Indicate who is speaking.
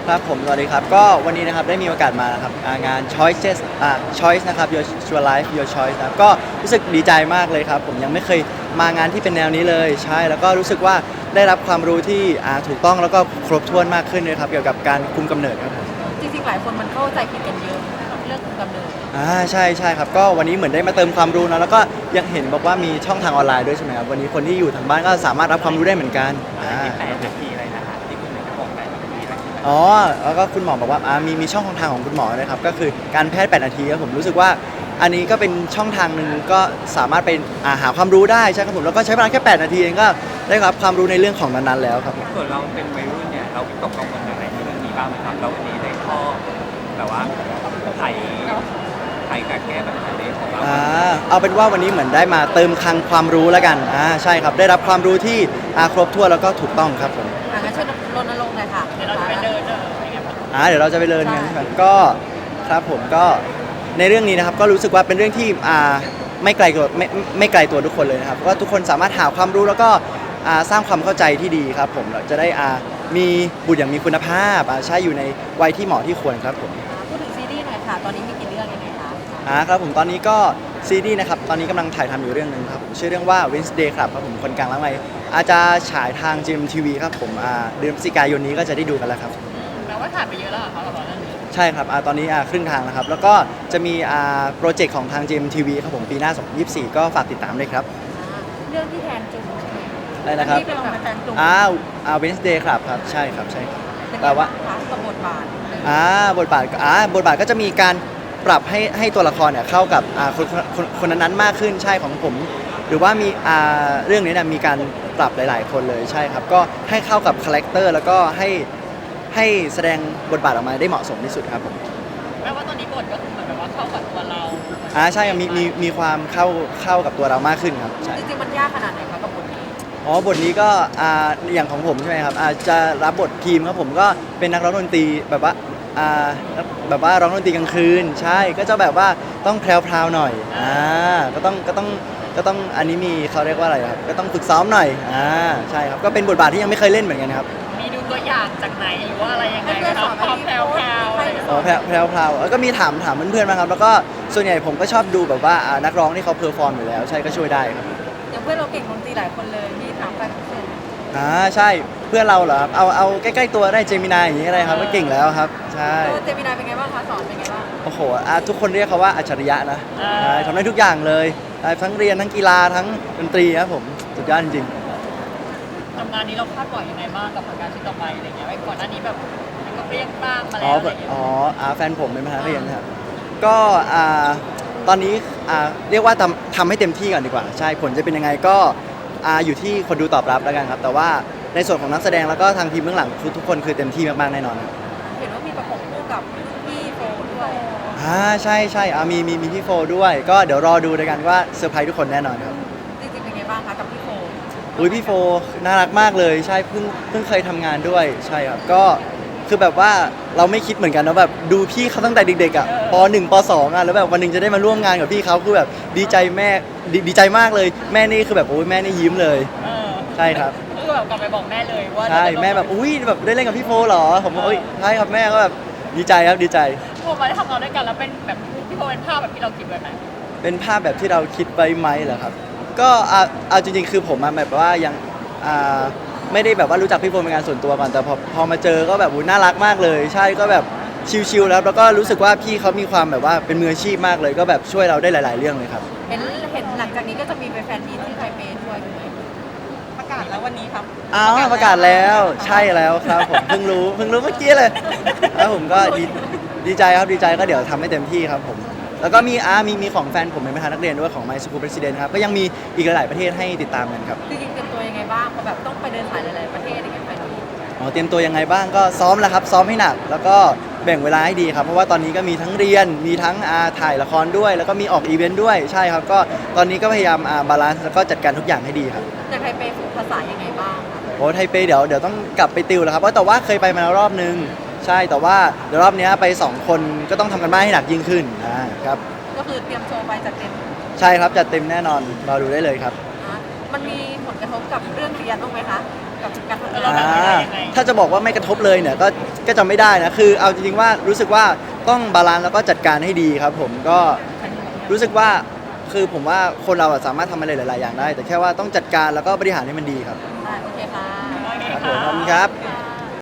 Speaker 1: ครับผมสวัสดีครับก็วันนี้นะครับได้มีโอกาสมานะครับงาน Choices Choice นะครับ Your Life Your Choice นะครับก็รู้สึกดีใจมากเลยครับผมยังไม่เคยมางานที่เป็นแนวนี้เลยใช่แล้วก็รู้สึกว่าได้รับความรู้ที่ถูกต้องแล้วก็ครบถ้วนมากขึ้นเลยครับเกี่ยวกับการคุมกำเนิดครับผม
Speaker 2: จริงๆหลายคนมันเข้าใจผิดกันเยอะเรื่องคุมกำเนิด
Speaker 1: ใช่ครับก็วันนี้เหมือนได้มาเติมความรู้นะแล้วก็ยังเห็นบอกว่ามีช่องทางออนไลน์ด้วยใช่ไหมครับวันนี้คนที่อยู่ทางบ้านก็สามารถรับความรู้ได้เหมือนกัน
Speaker 3: 8 นาทีอะไรนะคะที่คุณหมอบอก8 นาที
Speaker 1: อ๋อแล้วก็คุณหมอบอกว่ามีช่องทางของคุณหมอนะครับก็คือการแพทย์8 นาทีครับผมรู้สึกว่าอันนี้ก็เป็นช่องทางหนึ่งก็สามารถไปหาความรู้ได้ใช่ครับผมแล้วก็ใช้เวลาแค่8 นาทีเองก็ได้รับความรู้ในเรื่องของนั้นๆแล้วครับ
Speaker 3: ส่วนเราเป็นวัยรุ่นเนี่ยเราวิตกกังวลอะไรในเรื่องนี้บ้างไหมครับเราวันนี้ได้ข้อแบบว่าไขกับแก้ปัญหาในของเรา
Speaker 1: เอาเป็นว่าวันนี้เหมือนได้มาเติมคลังความรู้แล้วกันใช่ครับได้รับความรู้ที่ครบถ้วนแล้วก็ถูกต้องครับผม
Speaker 2: งั้นช่วยรณรงค์หน่อยค่ะเดี๋ยวเราจะไปเดิน
Speaker 1: เดี๋ยวเราจะไปเรียนกันใช่ไหมก็ครับผมก็ในเรื่องนี้นะครับก็รู้สึกว่าเป็นเรื่องที่ไม่ไกลตัวไม่ไกลตัวทุกคนเลยนะครับว่าทุกคนสามารถหาความรู้แล้วก็สร้างความเข้าใจที่ดีครับผมเราจะได้มีบุตรอย่างมีคุณภาพใช่อยู่ในวัยที่เหมาะที่ควรครับผม
Speaker 2: พูดถึงซีรีส์หน่อยค่ะตอนนี้มีกี่เรื่องยังไงคะ
Speaker 1: ครับผมตอนนี้ก็ซีรีส์นะครับตอนนี้กำลังถ่ายทำอยู่เรื่องหนึ่งครับผมชื่อเรื่องว่า Wednesday ครับผมคนกลางล้างไว้อาจจะฉายทาง GMTV ครับผมเดือนพฤศจิกายนนี้ก็จะได้ดูกันแล้วครับ
Speaker 2: แปลว่าถ่ายไปเยอะแล้วเหรอคะกับเรื่องนี้
Speaker 1: ใช่ครับตอนนี้ครึ่งทางแล้วครับแล้วก็จะมีโปรเจกต์ของทาง GMTV ครับผมปีหน้า2024ก็ฝากติดตามด้วยครับ
Speaker 2: เรื่องที่แทนจุง
Speaker 1: อะไรนะครับ
Speaker 2: ที่เป็นแบบแทนจุง
Speaker 1: Wednesday ครับใช่ครับ
Speaker 2: แต่ว่ากับบทบาท
Speaker 1: บทบาทก็จะมีการปรับให้ตัวละครเนี่ยเข้ากับคนนั้นๆมากขึ้นใช่ของผมหรือว่ามีเรื่องนี้เนี่ยมีการปรับหลายๆคนเลยใช่ครับก็ให้เข้ากับคาแรคเตอร์แล้วก็ให้แสดงบทบาทออกมาได้เหมาะสมที่สุดครับผม
Speaker 2: แปลว่าตอนนี้บทก็คือเหมือนแบบว่าเข้ากับตัวเรา
Speaker 1: ใช่มีความเข้ากับตัวเรามากขึ้นครับ
Speaker 2: จริงๆมันยากขนาดไหนคะกับบทนี้
Speaker 1: บทนี้ก็อย่างของผมใช่ไหมครับจะรับบททีมครับผมก็เป็นนักร้องดนตรีแบบว่าแบบว่าร้องดนตรีกลางคืนใช่ก็จะแบบว่าต้องแพรวๆหน่อยก็ต้องอันนี้มีเขาเรียกว่าอะไรครับก็ต้องฝึกซ้อมหน่อยใช่ครับก็เป็นบทบาทที่ยังไม่เคยเล่นเหมือนกันครับ
Speaker 2: มีดูตัวอย่างจากไหนหรือว่าอะไรยังไงครับความแพรว
Speaker 1: แพรวแล้วก็มีถามเพื่อนๆมาครับแล้วก็ส่วนใหญ่ผมก็ชอบดูแบบว่านักร้องที่เขาเพอร์ฟอร์มอยู่แล้วใช่ก็ช่วยได้ครับ
Speaker 2: อย่างเพื่อนเราเก่งดนตรีหลายคนเลยมีถามใครพิเศษ
Speaker 1: ใช่เพื่อนเราเหรอครับเอาใกล้ๆตัวได้เจมินายอย่างนี้อะไรครับก็เก่งแล้วครับใช่
Speaker 2: เจมินายเป็นไงบ้างคะสอนเป็นไงบ้าง
Speaker 1: โอ้โหทุกคนเรียกเขาว่าอัจฉริยะนะทำได้ทุกอย่างเลยทั้งเรียนทั้งกีฬาทั้งดนตรีครับผมสุดยอดจริง
Speaker 2: ทำงานนี้เราคาดหวังยังไงบ้างกับผลงานชิ้นต่อไปอะไรเงี้ยไว้ก่อนหน้านี้แบบมันก็เปรี้ยงบ้างมาแล้วอะไรเงี้ย
Speaker 1: แฟนผมเป็นมหาเรียนครับก็ตอนนี้เรียกว่าทำให้เต็มที่ก่อนดีกว่าใช่ผลจะเป็นยังไงก็อยู่ที่คนดูตอบรับแล้วกันครับแต่ว่าในส่วนของนักแสดงแล้วก็ทางทีมเบื้องหลังทุกคนคือเต็มที่มากๆแน่นอนครับ
Speaker 2: เห็นว่ามีประกบคู่กับพี่โฟด้วย
Speaker 1: ใช่มีพี่โฟด้วยก็เดี๋ยวรอดูด้วยกันว่าเซอร์ไพรส์ทุกคนแน่นอนครับ
Speaker 2: จริงๆเป็นไงบ้างคะกับพี่โฟ
Speaker 1: พี่โฟน่ารักมากเลยใช่เพิ่งเคยทำงานด้วยใช่ครับก็คือแบบว่าเราไม่คิดเหมือนกันนะแบบดูพี่เขาตั้งแต่เด็กๆป .1 ป .2 แล้วแบบวันหนึ่งจะได้มาร่วมงานกับพี่เขาคือแบบดีใจแม่ดีใจมากเลยแม่นี่คือแบบโอ้ยแม่นี่ยิ้มเลยใช่ครับ
Speaker 2: คือแบบกลับไปบอกแม่เลยว่า
Speaker 1: ใช่แม่แบบอุ้ยแบบได้เล่นกับพี่โฟเหรอผมว่าใช่ครับแม่ก็แบบดีใจครับดีใจ
Speaker 2: พอมาได้ทำงานด้วยกันแล้วเป็นแบบพี่โฟเป็นภาพแบบที่เราคิดไว้ไหม
Speaker 1: เป็นภาพแบบที่เราคิดไว้ไหมเหรอครับก็เอาจริงๆคือผมแบบว่ายังไม่ได้แบบว่ารู้จักพี่โฟเป็นงานส่วนตัวก่อนแต่พอมาเจอก็แบบน่ารักมากเลยใช่ก็แบบชิลๆแล้วก็รู้สึกว่าพี่เขามีความแบบว่าเป็นมืออาชีพมากเลยก็แบบช่วยเราได้หลายๆเรื่องเลยครับ
Speaker 2: เห็นหลังจากนี้ก็จะมีแฟนมีตที่ไทเปด้วยประกาศแล้ววันนี้ครับ
Speaker 1: ประกาศแล้วใช่แล้วครับผมเพิ่งรู้เมื่อกี้เลยแล้วผมก็ดีใจครับดีใจก็เดี๋ยวทำให้เต็มที่ครับผมแล้วก็มีของแฟนผมเป็นประธานนักเรียนด้วยของ My School President ครับก็ยังมีอีกหลายๆประเทศให้ติดตามกันครับ
Speaker 2: จริงๆเตรียมตัวยังไงบ้างเพราะแบบต้องไปเดินสายหลายๆประเทศอย่างเงี้ยไปดู
Speaker 1: เตรียมตัวยังไงบ้างก็ซ้อมแล้วครับซ้อมให้หนักแล้วก็แบ่งเวลาให้ดีครับเพราะว่าตอนนี้ก็มีทั้งเรียนมีทั้งถ่ายละครด้วยแล้วก็มีออกอีเวนต์ด้วยใช่ครับก็ตอนนี้ก็พยายามบาลานซ์แล้วก็จัดการทุกอย่างให้ดีครับ
Speaker 2: จากไทเปฝึกภาษายังไงบ้าง
Speaker 1: ไทเปเดี๋ยวต้องกลับไปติวแล้วครับเพราะแต่ว่าเคยไปมาแล้วรอบนึงใช่แต่ว่าเดี๋ยวรอบนี้ไป2คนก็ต้องทำกันบ้านให้หนักยิ่งขึ้นครับ
Speaker 2: ก็คือเตรียมโชว์ไปจัดเต็ม
Speaker 1: ใช่ครับจัดเต็มแน่นอนรอดูได้เลยครับ
Speaker 2: มันมีผลกระทบกับเรื่องเรียนบ้างไหมคะกับการทำงานเราแบบไหนยังไง
Speaker 1: ถ้าจะบอกว่าไม่กระทบเลยเนี่ยก็จะไม่ได้นะคือเอาจริงๆว่ารู้สึกว่าต้องบาลานซ์แล้วก็จัดการให้ดีครับผมก็รู้สึกว่าคือผมว่าคนเราอะสามารถทำอะไรหลายๆอย่างได้ แต่แค่ว่าต้องจัดการแล้วก็บริหารให้มันดีครับ
Speaker 2: โอเคค่ะ
Speaker 1: ครับผมขอบคุณครับ
Speaker 2: ค่ะ